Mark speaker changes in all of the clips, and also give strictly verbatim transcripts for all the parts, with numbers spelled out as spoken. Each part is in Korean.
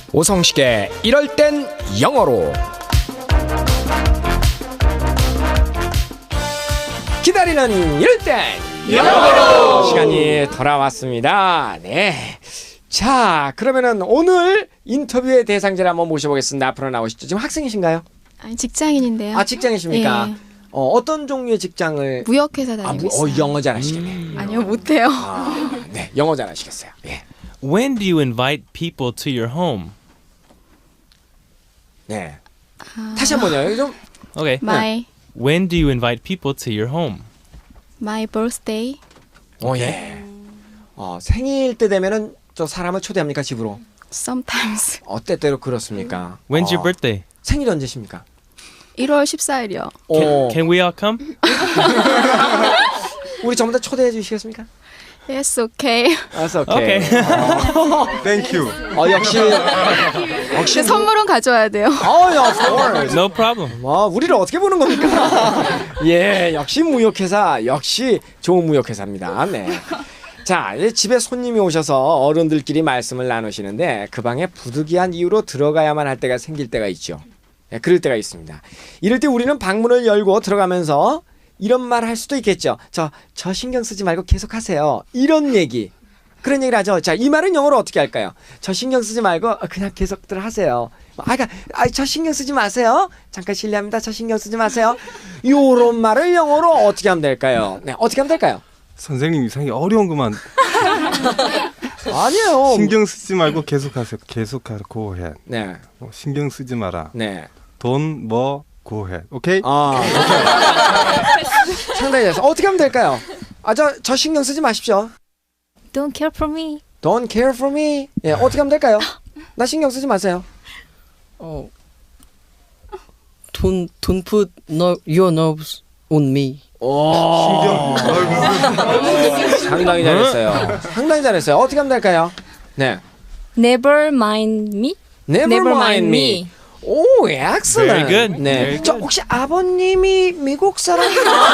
Speaker 1: 오성식의 이럴 땐 영어로. 기다리는 이럴 땐 영어로 시간이 돌아왔습니다. 네. 자, 그러면은 오늘 인터뷰의 대상자를 한번 모셔보겠습니다. 앞으로 나오시죠. 지금 학생이신가요?
Speaker 2: 아니, 직장인인데요.
Speaker 1: 아, 직장이십니까?
Speaker 2: 네.
Speaker 1: 어, 어떤 종류의 직장을?
Speaker 2: 무역회사 다니고
Speaker 1: 아, 무,
Speaker 2: 있어요.
Speaker 1: 어, 영어 잘하시겠네.
Speaker 2: 음. 아니요, 못해요.
Speaker 1: 아, 네, 영어 잘하시겠어요. 예.
Speaker 3: When do you invite people to your home?
Speaker 1: 네.
Speaker 2: 아,
Speaker 1: 다시 한번요. 좀.
Speaker 3: Okay.
Speaker 2: my
Speaker 3: When do you invite people to your home?
Speaker 2: my birthday.
Speaker 1: 어, 예. 어, 생일 때 되면은 저 사람을 초대합니까, 집으로?
Speaker 2: Sometimes.
Speaker 1: 어, 때때로 그렇습니까?
Speaker 3: When's
Speaker 1: 어,
Speaker 3: your birthday?
Speaker 1: 생일이 언제십니까?
Speaker 2: 일월 십사일이요.
Speaker 3: Can,
Speaker 1: 어,
Speaker 3: can we all come?
Speaker 1: 우리 전부 다 초대해 주시겠습니까?
Speaker 2: Yes, okay.
Speaker 1: 알았어, 오케이.
Speaker 3: Okay.
Speaker 4: Thank you.
Speaker 1: 어, 역시 역시
Speaker 2: 근데 선물은 가져와야 돼요.
Speaker 1: 어, of course.
Speaker 3: No problem.
Speaker 1: 와, 우리를 어떻게 보는 겁니까? 예, 역시 무역회사, 역시 좋은 무역회사입니다. 네. 자, 이제 집에 손님이 오셔서 어른들끼리 말씀을 나누시는데 그 방에 부득이한 이유로 들어가야만 할 때가 생길 때가 있죠. 네, 그럴 때가 있습니다. 이럴 때 우리는 방문을 열고 들어가면서 이런 말 할 수도 있겠죠. 저, 저 신경 쓰지 말고 계속 하세요. 이런 얘기. 그런 얘기를 하죠. 자, 이 말은 영어로 어떻게 할까요? 저 신경 쓰지 말고 그냥 계속들 하세요. 아, 그러니까, 아, 저 신경 쓰지 마세요. 잠깐 실례합니다. 저 신경 쓰지 마세요. 요런 말을 영어로 어떻게 하면 될까요? 네, 어떻게 하면 될까요?
Speaker 4: 선생님 이상하게 어려운 것만
Speaker 1: 아니에요.
Speaker 4: 신경 쓰지 말고 계속하세요. 계속하고 해.
Speaker 1: 네,
Speaker 4: 어, 신경 쓰지 마라.
Speaker 1: 네.
Speaker 4: 돈 뭐 구해. 오케이?
Speaker 1: 아, 오케이. 상당히 잘했어. 어떻게 하면 될까요? 아, 저, 저 신경 쓰지 마십시오.
Speaker 5: Don't care for me.
Speaker 1: Don't care for me. 예, 어떻게 하면 될까요? 나 신경 쓰지 마세요.
Speaker 6: Oh, don't don't put no, your nerves on me.
Speaker 1: 오, 상당히 잘했어요. 상당히 잘했어요. 어떻게 하면 될까요? 네.
Speaker 5: Never mind me.
Speaker 1: Never,
Speaker 5: Never
Speaker 1: mind
Speaker 5: mind
Speaker 1: me.
Speaker 5: me.
Speaker 1: 오, excellent.
Speaker 3: Very good.
Speaker 1: 네.
Speaker 3: Very
Speaker 1: 저
Speaker 3: good.
Speaker 1: 혹시 아버님이 미국 사람?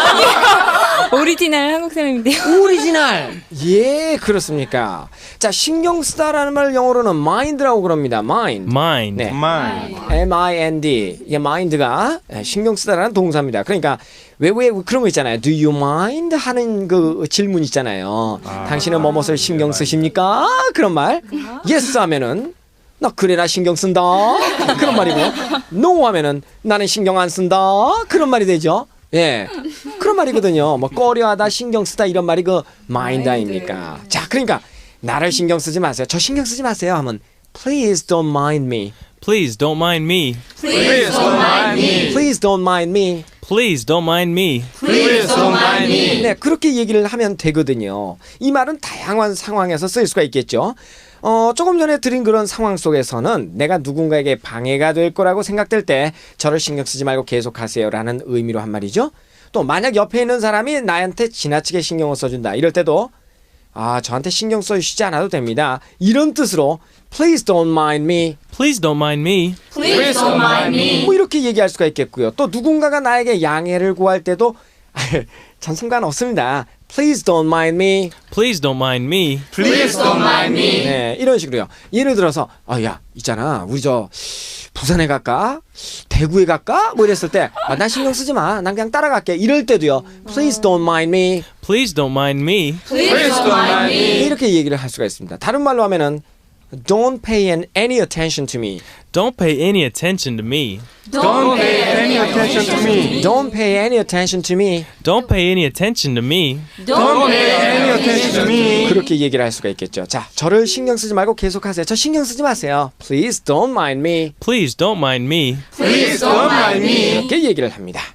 Speaker 5: 오리지널 한국 사람인데요.
Speaker 1: 오리지널. 예, 그렇습니까? 자, 신경 쓰다라는 말 영어로는 mind라고 그럽니다. mind.
Speaker 3: Mind.
Speaker 1: 네.
Speaker 4: My.
Speaker 1: M I N D. 이 mind가 신경 쓰다라는 동사입니다. 그러니까 왜 왜 그런 거 있잖아요. Do you mind 하는 그 질문 있잖아요. 당신은 뭐뭇을 신경 쓰십니까? 그런 말. Yes 하면은 나 그래 나 신경 쓴다. 그런 말이고 No 하면은 나는 신경 안 쓴다. 그런 말이 되죠. 예. 그런 말이거든요. 뭐 꺼려하다 신경 쓰다 이런 말이 그 mind 아닙니까? 자, 그러니까 나를 신경 쓰지 마세요. 저 신경 쓰지 마세요 하면 Please don't mind me.
Speaker 3: Please don't mind me.
Speaker 1: Please don't mind me. Please don't mind me.
Speaker 3: Please don't mind me.
Speaker 1: Please don't mind me. 네, 그렇게 얘기를 하면 되거든요. 이 말은 다양한 상황에서 쓸 수가 있겠죠. 어, 조금 전에 드린 그런 상황 속에서는 내가 누군가에게 방해가 될 거라고 생각될 때 저를 신경 쓰지 말고 계속하세요라는 의미로 한 말이죠. 또 만약 옆에 있는 사람이 나한테 지나치게 신경을 써준다. 이럴 때도 아, 저한테 신경 써주시지 않아도 됩니다. 이런 뜻으로 Please don't mind me.
Speaker 3: Please don't mind me.
Speaker 5: Please don't mind me.
Speaker 1: 뭐 이렇게 얘기할 수가 있겠고요. 또 누군가가 나에게 양해를 구할 때도 전 상관없습니다. Please don't mind me.
Speaker 3: Please don't mind me.
Speaker 1: Please don't mind me. 네, 이런 식으로요. 예를 들어서 아, 야, 있잖아. 우리 저 부산에 갈까? 대구에 갈까? 뭐 이랬을 때 아, 난 신경 쓰지 마. 난 그냥 따라갈게. 이럴 때도요. Please don't mind me.
Speaker 3: Please don't mind me.
Speaker 5: Please don't mind me.
Speaker 1: 이렇게 얘기를 할 수가 있습니다. 다른 말로 하면은 Don't pay any attention to me.
Speaker 3: Don't pay any attention to me.
Speaker 4: Don't pay any attention to me.
Speaker 1: Don't pay any attention to me.
Speaker 3: Don't pay any attention to me.
Speaker 4: Don't pay any attention to me.
Speaker 1: 그렇게 얘기를 할 수가 있겠죠. 자, 저를 신경 쓰지 말고 계속하세요. 저 신경 쓰지 마세요. Please don't mind me.
Speaker 3: Please don't mind me.
Speaker 4: Please don't mind me.
Speaker 1: 이렇게 얘기를 합니다.